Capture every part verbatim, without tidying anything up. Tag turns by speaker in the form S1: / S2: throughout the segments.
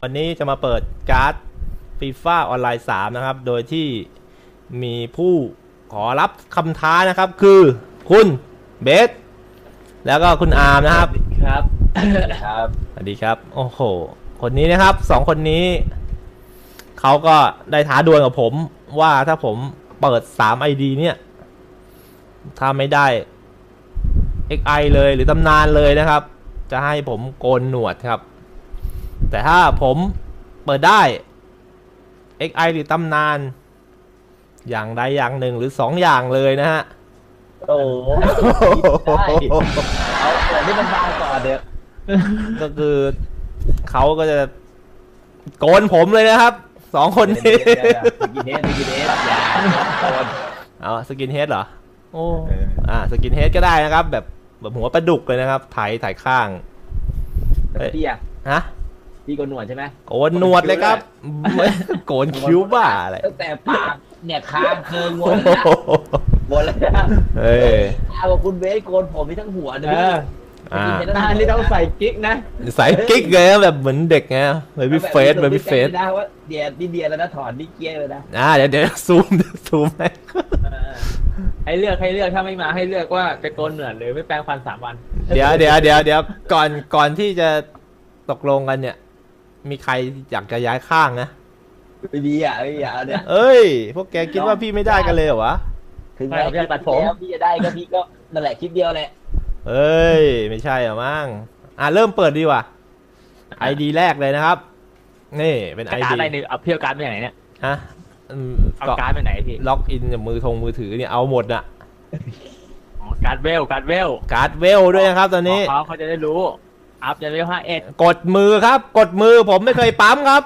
S1: วันนี้จะมาเปิดการ์ดฟีฟ่าออนไลน์สามนะครับโดยที่มีผู้ขอรับคำท้านะครับคือคุณเบสแล้วก็คุณอาร์มนะครับ
S2: ครับครับ
S1: สวัสดีครับโอ้โหคนนี้นะครับสองคนนี้เขาก็ได้ท้าดวลกับผมว่าถ้าผมเปิดสาม ไอ ดี เนี่ยถ้าไม่ได้ เอ็กซ์ ไอ เลยหรือตำนานเลยนะครับจะให้ผมโกนหนวดครับแต่ถ้าผมเปิดได้ เอ็กซ์ ไอ หรือตำนานอย่างใดอย่างหนึ่งหรือสองอย่างเลยนะฮะ
S2: โอ้ได้เอาเปิดที่มันบางก่อนเดี๋ยว
S1: ก็คือเขาก็จะโกนผมเลยนะครับสองคนนี้
S2: สกินเฮดสกินเฮดอย่าโกน
S1: เอาสกินเฮดเหรอโอ้อ่าสกินเฮดก็ได้นะครับแบบแบบหัวปลาดุกเลยนะครับไถไถข้าง
S2: พี่อะ
S1: ฮะ
S2: พี่โกนหนวดใช่ไหม
S1: โกนหนวดเลยครับโกนคิ้วบ้าอะไร
S2: ตั้งแต่ปากเนี่ยคางเคิงหมดเลยนะหมดเลยนะ
S1: เอ้ย
S2: เอาคุณเบสโกนผมมีทั้งหัวเลย
S3: อ่านี่ต้องใส่กิ๊กนะ
S1: ใส่กิ๊กเลยแบบเหมือนเด็กไงเบบี้เฟสเบบี้เฟส
S2: นะว่าเดียนี่เดียแล้วนะถอนนี่เกี้ยเลยนะ
S1: อ่าเดี๋ยวเดี๋ยวซูมซูมให้
S3: ให้เลือกให้เลือกถ้าไม่มาให้เลือกว่าจะโกนเหนือหรือไม่แปรงฟันสามวัน
S1: เดี๋ยวเดี๋ยวเดี๋ยวเดี๋ยวก่อนก่อนที่จะตกลงกันเนี่ยมีใครอยากจะย้ายข้างนะ
S2: ไม่มีอ่ะไม่มีอ่ะเนี่ย
S1: เอ้ยพวกแกคิดว่าพี่ไม่ได้กันเลยเหรอวะ
S2: ถึงแม้พี่จะตัดผมพี่จะได้ก็พี่ก็นั่นแหละคลิปเดียวแหละ
S1: เอ้ยไม่ใช่หรอมั้งอ่ะเริ่มเปิดดีว่ะไอดีแรกเลยนะครับนี่เป็นไอดี
S3: อะไรเนี่ยเอาเพี้ยวการ์ดไปไหนเนี่ย
S1: ฮะ
S3: เอาการ์ดไปไหนพี่
S1: ล็อกอินจากมือทงมือถือเนี่ยเอาหมดอ่ะ
S3: การ์ดเวลการ์ดเวล
S1: การ์ดเวลด้วยนะครับตอนนี้
S3: เขาเขาจะได้รู้อัพจะเวลห้าเอ็ด
S1: กดมือครับกดมือผมไม่เคยปั๊มครับ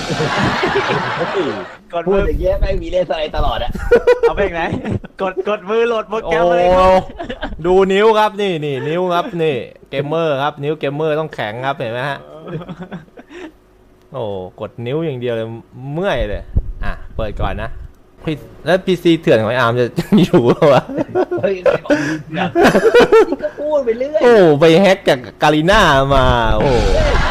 S2: กดมืออย่างเงี้ยแม่งมีเลเซอร์ตลอดอะ
S3: เอาไปไหนกดกดมือโหลดโปรแกรมเลย
S1: ดูนิ้วครับนี่นี่นิ้วครับนี่เกมเมอร์ครับนิ้วเกมเมอร์ต้องแข็งครับเห็นไหมฮะโอ้กดนิ้วอย่างเดียวเลยเมื่อยเลยอ่ะเปิดก่อนนะพี่แล้วพีซีเถื่อนของอาร์มจะอยู่หรอวะ
S2: เฮ้ยก็พูดไปเรื่อย
S1: โอ้ไปแฮกจากกาลิน่ามาโอ้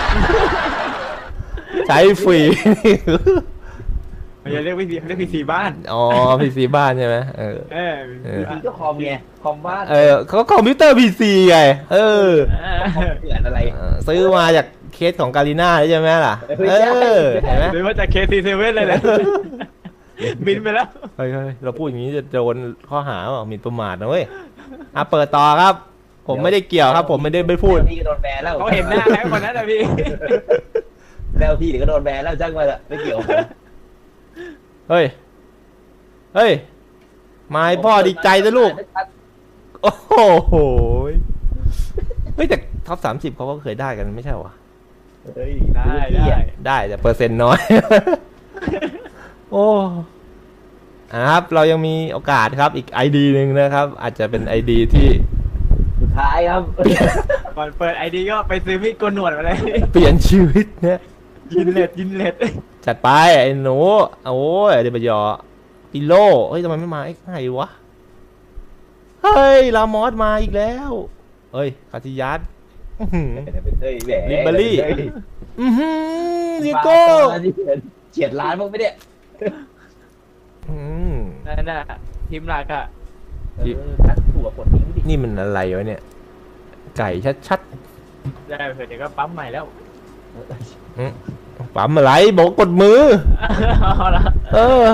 S1: ใช้ฟรี
S3: มันจะเรียกพีซีเรียกพีซีบ้าน
S1: อ๋อพีซีบ้านใช่ไหมเออ
S2: เออพีซีก็คอมไงคอมบ้าน
S1: เออเขาคอมพิวเตอร์พีซีไงเออ
S2: เถื่อนอะไร
S1: ซื้อมาจากเคสของกาลิน่าใช่ไหมล่ะเออเห็นไหม
S3: หรือว่าจากเคสซีเซเว่นเลยแหละบินไปแล้ว
S1: เฮ้ยเราพูดอย่างนี้จะโดนข้อหาว่าหมิ่นประมาทนะเว้ยอ่ะเปิดต่อครับผมไม่ได้เกี่ยวครับผมไม่ได้ไม่พูด
S2: พี่โดนแบนแล้ว
S3: เขาเห็นหน้าแล้วคนนั้นนะพี่
S2: แล้วพี่เดี๋ยวก็โดนแบนแล้วจ้างมาละไม่เกี่ยว
S1: เฮ้ยเฮ้ยไม่พ่อดีใจนะลูกโอ้โหเฮ้ยแต่ท็อปสามสิบเขาก็เคยได้กันไม่ใช่หรอ
S2: เฮ้ย
S3: ได้ได้
S1: ได้แต่เปอร์เซ็นต์น้อยโอ้ครับเรายังมีโอกาสครับอีก ไอ ดี หนึ่งนะครับอาจจะเป็น ไอ ดี ที่
S2: สุดท้ายครับ
S3: ก่อนเปิด ไอ ดี ก็ไปซื้อมีดโกนหนวดมาเลย
S1: เปลี่ยนชีวิตเนี่ย
S3: ยินเล็ดยินเล็ด
S1: จัดไปไอ้หนูโอ้ยเดี๋ยวไปยอปิโลเฮ้ยทำไมไม่มาไอ้ไงวะเฮ้ยลามอสมาอีกแล้วเฮ้ยคาติยัสลิเบอรี่อือหือดิโก้
S2: เฉียดล้านมั้งไม่ได้
S3: นั่นน่ะทีมหลักอะ
S2: ถั่วกดทิ้งดิ
S1: นี่มันอะไรวะเนี่ยไก่ชัด
S3: ๆได้เผื่อเดี๋ยวก็ปั๊มใหม่แล้ว
S1: ปั๊มอะไรบอกกดมือเออ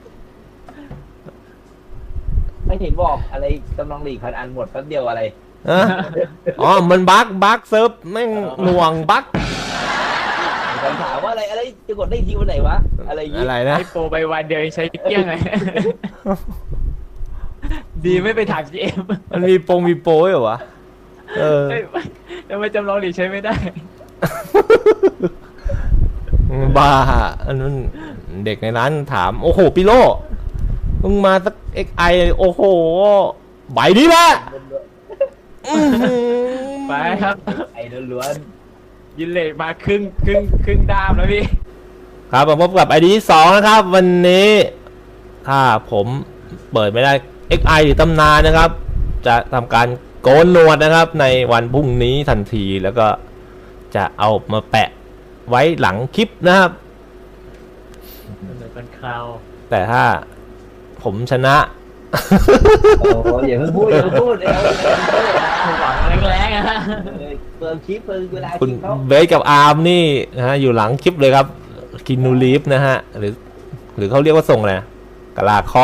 S2: ไม่เห็นบอกอะไรกำลังหลีกพันอันหมดแป๊บเดียวอะไร
S1: อ๋อมันบั๊กบั๊กเซิร์ฟแม่งหน่วงบั๊ก
S2: คำถามว่าอะไรอะไรจะกดได้ทีวันไหนวะอะไรอย่างงี้
S1: อะไรนะ
S3: ไอโปรไปวันเดียวใช้เกี้ยงไงดีไม่ไปถามจีเอ็ม
S1: มันมีโปรมีโปรเหรอวะเออ
S3: ทำไมจำลองหลีกใช้ไม่ได้
S1: บ้าอันนั้นเด็กในร้านถามโอ้โหปิโลมึงมาสัก เอ็กซ์ ไอ โอ้โหใบนี้ละ
S3: ไปครับ
S2: ไอ้ล้วน
S3: ยินเล็ดมาครึ่งครึ่งครึ่งดามแล้วพี่
S1: ครับมาพบกับ ไอ ดี สองนะครับวันนี้ถ้าผมเปิดไม่ได้ เอ็กซ์ ไอ หรือตำนานนะครับจะทำการโกนหนวดนะครับในวันพรุ่งนี้ทันทีแล้วก็จะเอามาแปะไว้หลังคลิปนะครับ
S3: มันเหมือนเป็นคราว
S1: แต่ถ้าผมชนะ
S2: โอ้ยอย่าเพิ่งพูดอย่าเพิ่งพูดเดี๋ยว
S3: หวังแรงๆอะฮะ
S2: เปิดคลิปเปิดเวลา
S1: คุณ
S2: คลิปเขา
S1: เบสกับอาร์มนี่นะฮะอยู่หลังคลิปเลยครับกินูลีฟนะฮะหรือ หรือเขาเรียกว่าทรงอะไรนะกะลาครอบ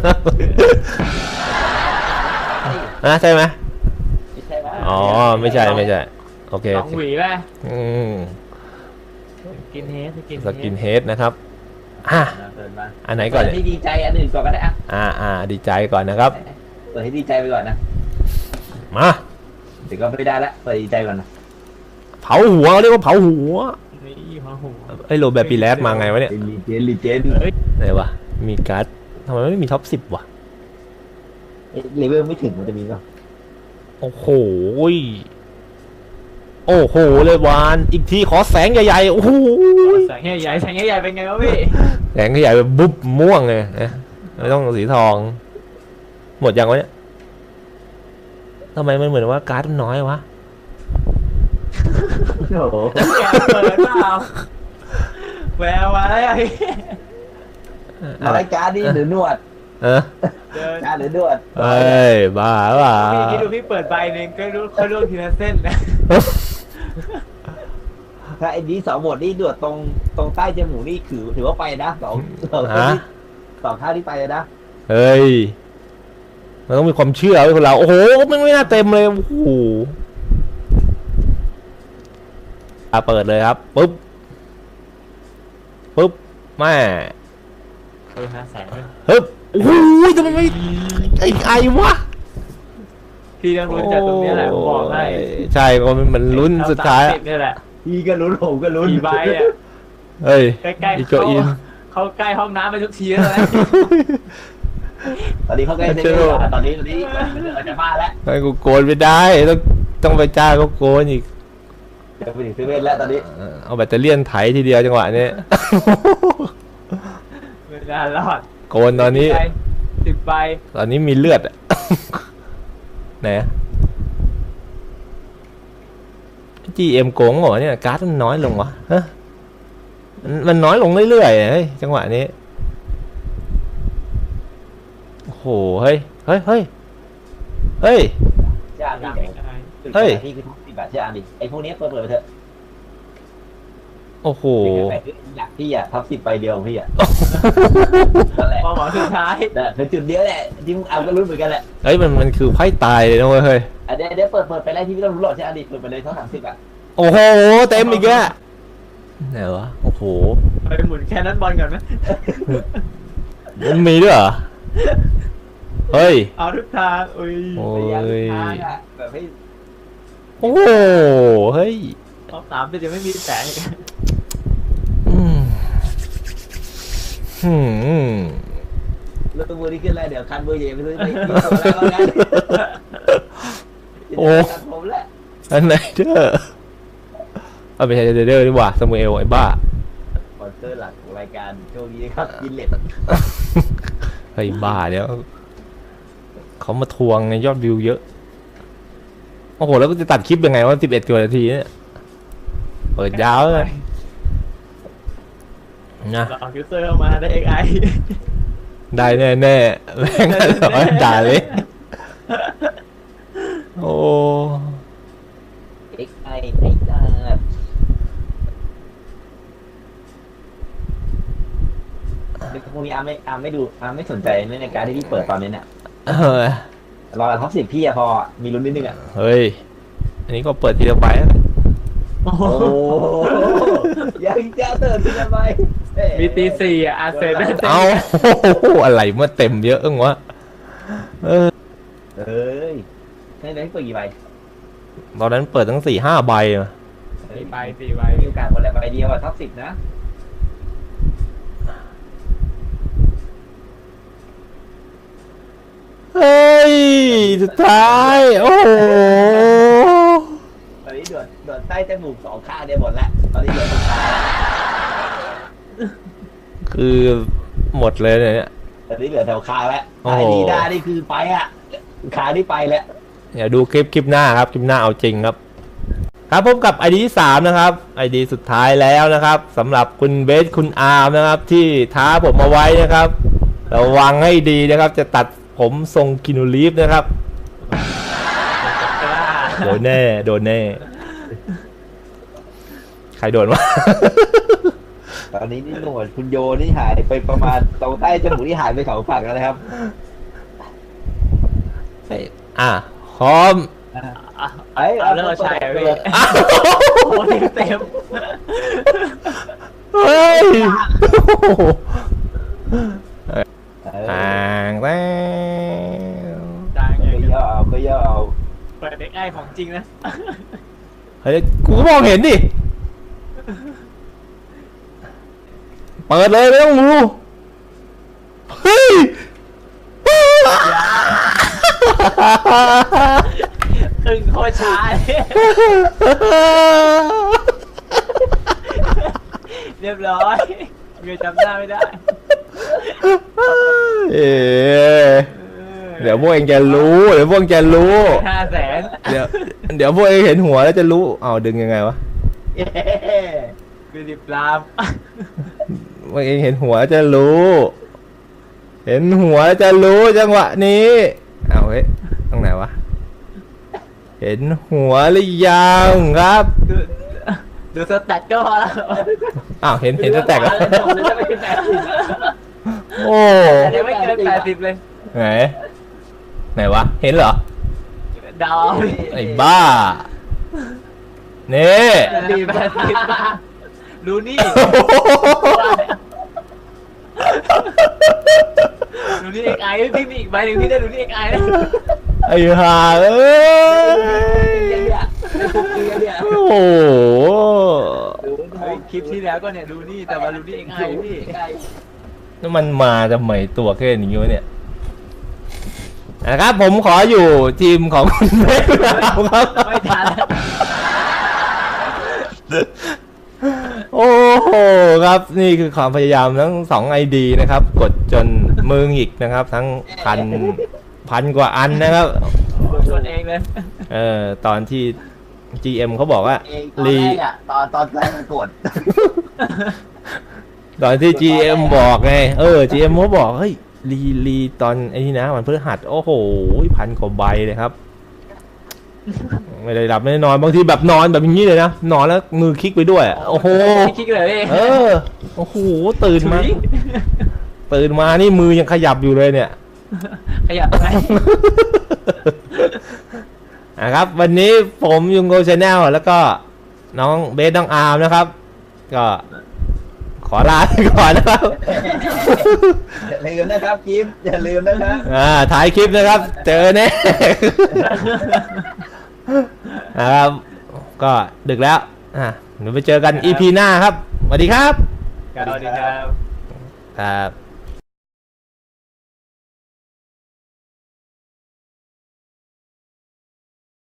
S1: นะใช่ไหม
S2: ไม่ใช่ว่า
S1: อ๋อไม่ใช่ไม่ใช่โอเค
S3: ส
S1: โอ
S3: อง
S1: เค
S3: หวีป่ะ
S1: อืม
S3: กินเฮดกิน
S1: สกินเฮดนะครับอ่ะ
S2: เปิดมา
S1: อันไหนก่อน
S2: เปิดให้ดีใจอันอื่นก่อนก็ได้อะ
S1: อ่าอ่าดีใจก่อนนะครับ
S2: เปิดให้ดีใจไปก่อนนะ
S1: มา
S2: เดี๋ยวก็ไม่ได้ละเปิดดีใจก่อนนะ
S1: เผาหัวเรียกว่าเผาหัว
S3: นี่หัวหัว
S1: ไอ้โรแบร์ปีแรสมาไงวะเนี่ย
S2: ลีเจนลีเจน
S3: เฮ้ย
S1: ไหนวะมีการ์ดทำไมไม่มีท็อปสิบวะ
S2: เลเวลไม่ถึงมันจะมีป่ะ
S1: โอ้โหยโอ้โหเลยวานอีกทีขอแสงใหญ่ๆโอ้โหย
S3: แสงใหญ่ๆแสงใหญ่ๆเป็นไงวะพี่
S1: แสงใหญ่แบบบุ๊บม่วงเลยนะไม่ต้องสีทอง หมดยังวะเนี่ยทำไมมันเหมือนว่าการ์ดมันน้อยวะ
S2: โอ้โห
S3: แกเปิดเปล่าแววมาแล้วไอ้
S1: อะไร
S2: รายการนี่หรือนวด
S1: เออ
S3: เดิน
S2: การหรือนวด
S1: เอ้ยบ้าเปล่า
S3: พี่คิดดูพี่เปิดใบหนึ่งก็รู้เขาล่วงทีละเส้นนะ
S2: ถ้าไอ้นี้สองบทนี่นวดตรงตรงใต้จมูกนี่ถือถือว่าไปนะสองสองท่า
S1: ฮะ
S2: ที่สองท่าที่ไปนะ
S1: เฮ้ยมันต้องมีความเชื่อไว้คนเราโอ้โหมันไม่น่าเต็มเลยโอ้โหอ่ะเปิดเลยครับปุ๊บปุ๊บแม่
S3: เออห้าแสนเลย
S1: ฮึบโอ้โหทำไมไม่ไอ้ไอวะ
S3: พี่ต้องรู้จากตรงนี้แหละผมบอกให้
S1: ใช่มันมันลุ้นสุดท้าย
S3: เอ
S1: อะ
S3: สมสิบนี่แหละ
S2: พี่ก็ลุ้นผมก็ลุ้น
S3: กี่ใบอ่ะ
S1: เฮ้ย
S3: ใกล้
S1: อี
S3: ๆ
S1: โก
S3: เขา
S1: อิน
S3: เขาใกล้ห้องน้ำไปทุกทีแล้วนะ
S2: ตอนนี้เขาใกล้เซ็น
S1: เชื่
S2: เต
S1: อ
S2: อร์ตอนนี้ตอนนี้มันออกจากบ้านแล้ว
S1: ไอ้กูโกนไม่ได้ต้องต้องไปจ้างเขาโกนอีก
S2: เดี๋ยวไปถึงเซเว่นแล้วตอนนี้
S1: เออเอาแบตเตอรี่ยนไถทีเดียวจังหวะนี้
S3: ไม่น่ารอด
S1: โกนตอนนี้
S3: สิบใบ
S1: ตอนนี้มีเลือดอะ ไหนจีเอ็มโกงเหรอเนี่ยการ์ดมันน้อยลงวะฮะมันมันน้อยลงเรื่อยๆเฮ้ยจังหวะนี้โอ้โหเฮ้ยเฮ้ยเฮ้ยเฮ้ย
S2: เชื่ออัน
S3: ยัง
S2: ดิ
S3: ไม่ได้
S1: เฮ้ย
S2: พี่คือทุกสิบบาทเชื่ออันดิไอ้พวกนี้เปิดเปิดไปเถอะ
S1: โอ้โห
S2: อยากพี่อ่ะทับสิบไปเดียวของพี่อ่ะนั่นแหละ
S3: ความหวังสุดท้าย
S2: แต่คือจุดเดียวแหละที่มึงเอาก็รู้เหมือนกันแหละ
S1: เฮ้ยมันมันคือไพ่ตายเลยนะเว้ยเฮ้ย
S2: อันเดี๋ยวเดี๋ยวเปิดเปิดไปแล้วที่พี่ต้องรู้หรอกใช่อันดิเปิดไปเลยเท่าสามสิบอ่ะ
S1: โอ้โหเต็มอีกแล้วไหนวะโอ้โห
S3: ไปหมุนแค่นั้นบอลก่อนไหม
S1: มันมีด้วยเหรอเฮ้ย
S3: เอาทุกทางอุ้ย
S1: โอ้
S2: พยายาม
S1: ย
S2: ทางอ่ะแบบให้
S1: โอ้โหเฮ้ย
S3: รอบสามจะไม่มีแสงอีก
S1: อืมอืม
S2: เรื่องมือที่ขึ้นแล้วเดี๋ยวคันมือใหญ่ไปซื้อไปที่ตัวแล้วว่างั้น
S1: โอ้
S2: ตัดผมแหละ
S1: อันไหนเด้อเอาไปใช้เดอร์ดีกว่าสมูเอลไอ้บ้า
S2: สปอนเซอร์หลักของรายการโชคดีนะครับยินเล็ต
S1: ไอ้บ้าเดี๋ยวเขามาทวงในยอดวิวเยอะโอ้โหแล้วก็จะตัดคลิปยังไงว่าสิบเอ็ดกว่านาทีเนี่ยเปิดยาวเลยนะ
S3: เราเอาคิวเซอร์เข้ามาได้เอ็กไอ
S1: ได้แน่แน่ๆแม่งร้อนด่าเลยโอ้
S2: เอ็กไอไอ้จ้าเด็กพวกนี้อาร์มไม่อาร์มไม่ดูอาร์มไม่สนใจในการที่พี่เปิดตอนนี้เนี่ย
S1: เออ
S2: รอท็อปสิบพี่อะพอมีลุ้นนิดนึงอะ
S1: เฮ้ยอันนี้ก็เปิดทีละใบแล้วกัน
S3: โอ้โห
S2: โอ้ยังจะเติร์นทำไม
S3: มีตีสี่อ่ะอาเซนได้เต็ม
S1: เอาอะไรเมื่อเต็มเยอะจังวะเออ
S2: เอ้ยให้ได้เปิดกี่ใบ
S1: ตอนนั้นเปิดตั้งสี่ห้าใบอะ
S3: สี่ใบสี่ใบ
S2: มีโอกาสคนละใบเดียวอะท็อปสิบนะ
S1: เฮ้ยสุดท้ายโอ้โห
S2: ตอนนี้เดือดเดือดใต้จมูกสองข้างเนี่ยหมดแล้วตอนนี้เดือดตรงขาแล้ว
S1: คือหมดเลยเนี่ย
S2: ตอนนี้เหลือแถวคางแล้ว
S1: โอ้
S2: ไอ้
S1: โห
S2: ดีด้านี่คือไปอะขานี่ไปแล้ว
S1: อย่าดูคลิปคลิปหน้าครับคลิปหน้าเอาจริงครับครับพบกับไอดีที่สามนะครับไอดีสุดท้ายแล้วนะครับสำหรับคุณเบสคุณอาร์มนะครับที่ท้าผมมาไว้นะครับระวังให้ดีนะครับจะตัดผมทรงกินูรีฟนะครับโดนแน่โดนแน่ใครโดนวะ
S2: ตอนนี้นี่หนวดคุณโยนี่หายไปประมาณตรงใต้จมูกที่หายไปสองฝั่งแล้วนะครับ
S1: อ่ะพร้อม
S2: ไอ้
S3: เอาเลิกใช่อะพี่
S1: อ้าว
S3: โอ้ยเต็ม
S1: เฮ้ย
S2: เออ
S1: ต่างแล้ว
S3: จางอ
S2: ก็
S3: ย่าง
S2: ย่อเอาก็ย่อเอา
S3: เปิดเด็กไอ้ของจริงนะ
S1: เฮ้ยกูก็มองเห็นดิเปิดเลยไม่ต้องรู้เฮ้ย
S3: ตึงโคตรช้าเลยเรียบร้อยเงยจำหน้าไม่ได้
S1: เอ๊ะเดี๋ยวพวกเองจะรู้ เดี๋ยวพวกเองจะรู้
S3: ห้าแสน
S1: เดี๋ยวเดี๋ยวพวกเองเห็นหัวแล้วจะรู้เอาดึงยังไงวะ
S2: เย้
S3: ฟิลิปลาม
S1: พวกเองเห็นหัวแล้วจะรู้ เห็นหัวแล้วจะรู้จังหวะนี้เอาเฮ้ยตรงไหนวะเห็นหัวหรือยังครับ
S3: ดูดูสแตทก็พอแล้ว
S1: อ้าวเห็นเห็นจะแตกแล้ว
S3: เดี๋ยวจะไม่เกินแปดสิบ
S1: โอ้
S3: เดี๋ยวไม่เกินแปดสิบเลย
S1: ไหนไหนวะเห็นเหรอ
S3: ดาว
S1: ไอ้บ้านี่
S3: แปดสิบแปดสิบดูนี่ดูนี่เอ็กไอพี่มีอีกใบหนึ่งพี่ได้ดูนี่เอ็กไอนะ
S1: ไอ้ห่าเอ้ย
S2: เนี่ยในคุกกี้เนี่ย
S1: โอ้โห
S2: ดู
S3: เฮ้ยคลิปที่แล้วก็เนี่ยดูนี่แต่มาดูนี่เอ็กไอพี่
S1: นี่มันมาทำไมตัวแค่นี้วะเนี่ยนะครับผมขออยู่ทีมของคุณเบสครับ
S3: ไม่ทัน
S1: โอ้โหครับนี่คือความพยายามทั้งสองไอดีนะครับ กดจนมือหงิกนะครับ ทั้งพันพันกว่าอันนะครับ
S3: ชนเองเลย
S1: เออตอนที่ จี เอ็ม เขาบอกว่า
S2: เองตอน
S1: รี
S2: แรกอะตอนตอนแรกมันกด
S1: ตอนที่ จี เอ็ม บอกไงเออ จี เอ็ม เขาบอกเฮ้ยรีรีตอนไอ้นี่นะมันพฤหัสโอ้โหพันกว่าใบเลยครับ ไม่ได้หลับไม่ได้นอนบางทีแบบนอนแบบอย่างนี้เลยนะนอนแล้วมือคลิกไปด้วยโอ้โห
S3: ไม่คิดเลยพี่
S1: เออโอ้โหตื่นมาตื่นมานี่มือยังขยับอยู่เลยเนี่ย
S3: ขยับไหม
S1: นะครับวันนี้ผมยุงโกชาแนลแล้วก็น้องเบสน้องอาร์มนะครับ ก็ขอลาไปก่อนนะครับ
S2: อย่าลืมนะครับกิฟต์อย่าลืมนะครับ
S1: อ่าถ่ายคลิปนะครับ เจอแน่ นะครับก็ดึกแล้วอ่ะเดี๋ยวไปเจอกัน อี พี หน้าครับสวัสดีครับ
S3: สวัสดีครับ
S1: ครับ